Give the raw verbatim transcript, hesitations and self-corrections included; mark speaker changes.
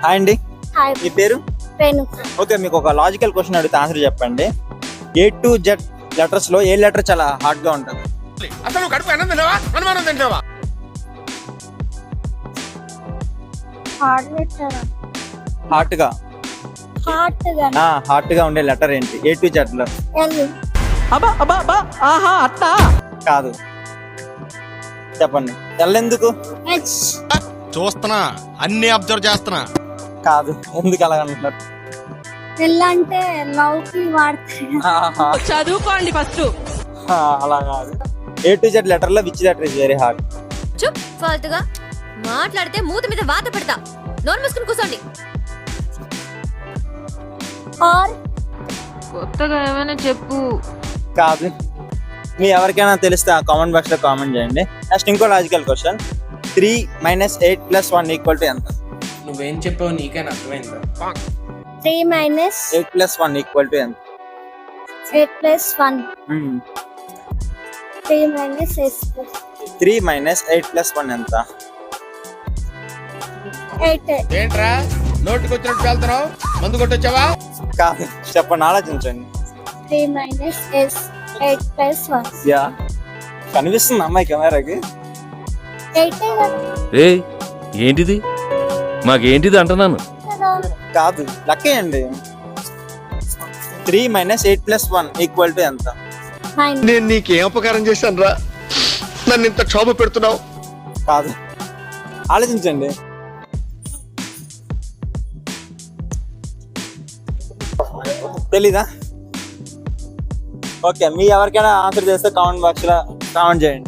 Speaker 1: Hi అండి,
Speaker 2: hi
Speaker 1: మీ పేరు?
Speaker 2: Renu.
Speaker 1: Okay, మీకు ఒక లాజికల్ క్వశ్చన్ అడిగితే ఆన్సర్ చెప్పండి. ఏ టు జెడ్ లెటర్స్ లో ఏ లెటర్ చాలా హార్డ్ గా ఉంటుంది?
Speaker 3: అసలు కడుపు అన్నం తిన్నావా అనుమానం తింటావా?
Speaker 2: Heart letter.
Speaker 1: హార్ట్ గా
Speaker 2: హార్ట్ గా.
Speaker 1: హార్ట్ గా ఉండే లెటర్ ఏంటి ఏ టు జెడ్ లో?
Speaker 2: ఎల్.
Speaker 4: అబ్బా అబ్బా అబ్బా ఆహా అట్టా
Speaker 1: కాదు, చెప్పండి. ఎల్ ఎందుకు?
Speaker 2: హెచ్.
Speaker 3: చూస్తున్నా, అన్ని అబ్జర్వ్ చేస్తున్నా.
Speaker 1: కాదు, ఎందుకు అలాగంటున్నారు?
Speaker 2: ఎల్ అంటే లవ్ కి వాడతారు.
Speaker 1: ఆహా,
Speaker 4: చదువుకోండి ఫస్ట్.
Speaker 1: ఆ, అలా కాదు. ఏ టు జెడ్ లెటర్ లో which letter is very hard?
Speaker 5: చుప్ ఫాల్తుగా మాట్లాడితే మూతి మీద వాత పెడతా. నోరు మూసుకుని కూర్చోండి.
Speaker 2: ఆర్.
Speaker 4: కొత్తగా ఏమైనా చెప్పు.
Speaker 1: కాదు, మీ ఎవరికైనా తెలిస్తే ఆ కామెంట్ బాక్స్ లో కామెంట్ చేయండి. నెక్స్ట్ ఇంకో logical question. Three minus eight plus one equal to ఎంత?
Speaker 6: నువ్వేం చెప్పావు నీకైనా అర్థమైందా?
Speaker 2: Three minus
Speaker 1: eight plus one equal to ఎంత?
Speaker 2: Eight plus one. Three minus S
Speaker 1: three minus eight plus one ఎంత?
Speaker 2: ఎయిట్.
Speaker 3: ఏంట్రా నోటికి వచ్చినట్టు వెళ్తున్నావు? మందు కొట్టొచ్చావా?
Speaker 1: కాదు, చెప్పండి, ఆలోచించండి.
Speaker 2: Three minus S eight plus one.
Speaker 1: Yeah, కనిపిస్తుంది అమ్మాయి కెమెరాకి?
Speaker 2: ఎయిట్
Speaker 7: ఏ ఏంటిది మాకేంటిది అంటున్నాను.
Speaker 1: కాదు, లక్కేయండి. Three minus eight plus one equal to ఎంత?
Speaker 2: నైన్.
Speaker 3: నేను నీకేం ఉపకారం చేశాను రా, నన్ను ఇంత క్షోభ పెడుతున్నావు?
Speaker 1: కాదు, ఆలోచించండి. తెలీదా? ఓకే, మీ ఎవరికైనా ఆన్సర్ చేస్తే కామెంట్ బాక్స్ లో కామెంట్ చేయండి.